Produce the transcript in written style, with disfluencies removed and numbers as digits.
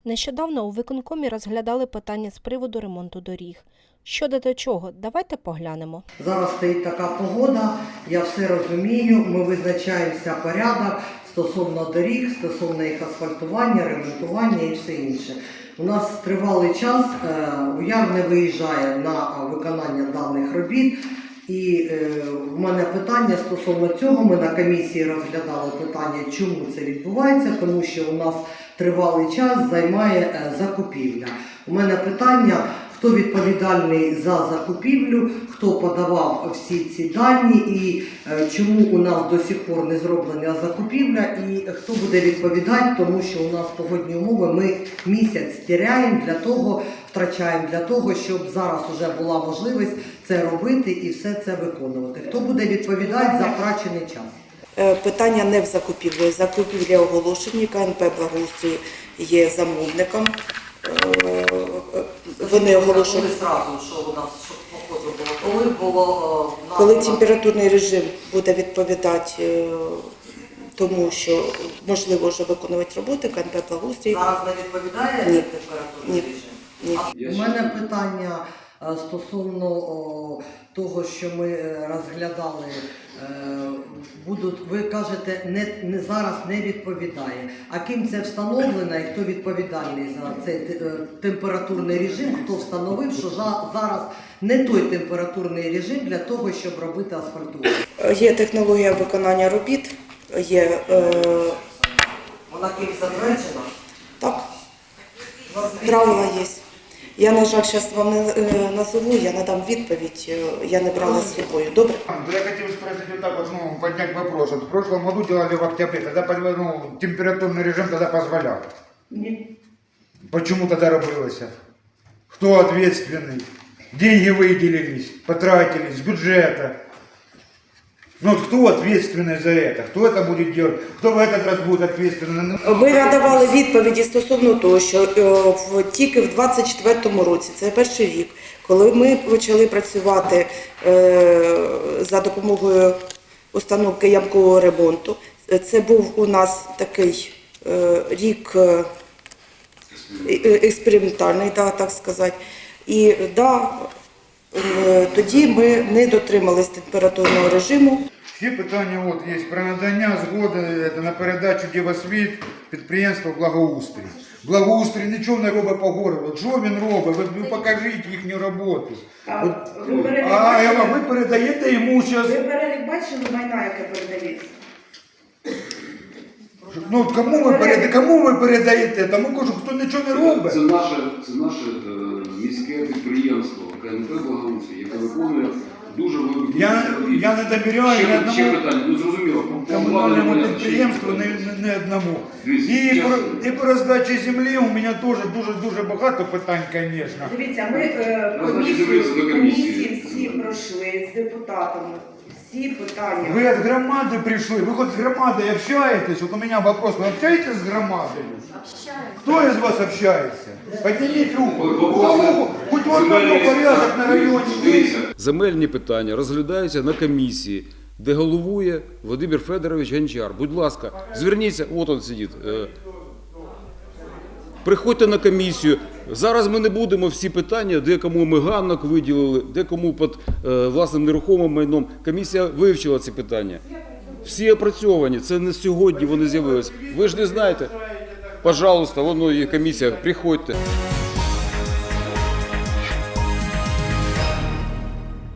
Нещодавно у виконкомі розглядали питання з приводу ремонту доріг. Що до чого, давайте поглянемо. Зараз стоїть така погода, я все розумію, ми визначаємося порядок стосовно доріг, стосовно їх асфальтування, ремонтування і все інше. У нас тривалий час УЯР не виїжджає на виконання даних робіт. І в мене питання стосовно цього, ми на комісії розглядали питання, чому це відбувається, тому що у нас тривалий час займає закупівля. У мене питання, хто відповідальний за закупівлю, хто подавав всі ці дані і чому у нас до сих пор не зроблена закупівля і хто буде відповідати, тому що у нас погодні умови, ми місяць втрачаємо для того, щоб зараз вже була можливість це робити і все це виконувати. Хто буде відповідати за втрачений час? Питання не в закупівлі. Закупівлі оголошені, КНП «Благоустрій» є замовником. Вони оголошені. Коли температурний режим буде відповідати тому, що можливо вже виконувати роботи, КНП «Благоустрій». Зараз не відповідає температурний режим? Ні. У мене питання стосовно того, що ми розглядали, ви кажете, зараз не відповідає. А ким це встановлено і хто відповідальний за цей температурний режим, хто встановив, що зараз не той температурний режим для того, щоб робити асфальтування? Є технологія виконання робіт, є... Вона кимось затверджена? Так, правила є. Я, на жаль, зараз вам не назову, я надам відповідь, я не брала з собою. Добре? Я хотел спросить вот так вот, поднять вопрос. Вот в прошлом году делали в октябре, тогда температурный режим тогда позволял. Нет. Почему тогда робилось? Кто ответственный? Деньги выделились, потратились с бюджета. Ну вот кто ответственный за это? Кто это будет делать? Кто в этот раз будет ответственный? Ми надавали відповіді стосовно того, що тільки в 24-му році, це перший рік, коли ми почали працювати за допомогою установки ямкового ремонту, це був у нас такий рік експериментальний, так сказати. І тоді ми не дотримались температурного режиму. Всі питання от є про надання згоди на передачу Дівосвіт підприємства «Благоустрій». «Благоустрій» нічого не робить по городу. Що він робить? Ви покажіть їхню роботу. Ви передаєте йому зараз... Ви перелік бачили майна, яке передається? Ну, кому ви передаєте? Тому кажу, хто нічого не робить. Це наше міське підприємство КНП «Благоустрій», яке виконує дуже великі... Я не довіряю ні одному ще питання, зрозуміло. комунальному підприємству, ні одному. І по роздачі землі у мене теж дуже багато питань, звісно. Дивіться, ми комісії всі пройшли з депутатами. Всі питання. Ви від громади прийшли, ви хоч з громадою общаєтесь? От у мене вопрос, ви общаєтесь з громадою? Хто із вас общається? Підніміть руку. Хоч в одному порядок на районі. Земельні питання розглядаються на комісії, де головує Володимир Федорович Гончар. Будь ласка, зверніться, от він сидить. Приходьте на комісію. Зараз ми не будемо всі питання, де кому ми ганок виділили, де кому під власним нерухомим майном. Комісія вивчила ці питання. Всі опрацьовані, це не сьогодні вони з'явилися. Ви ж не знаєте? Пожалуйста, воно є комісія, приходьте.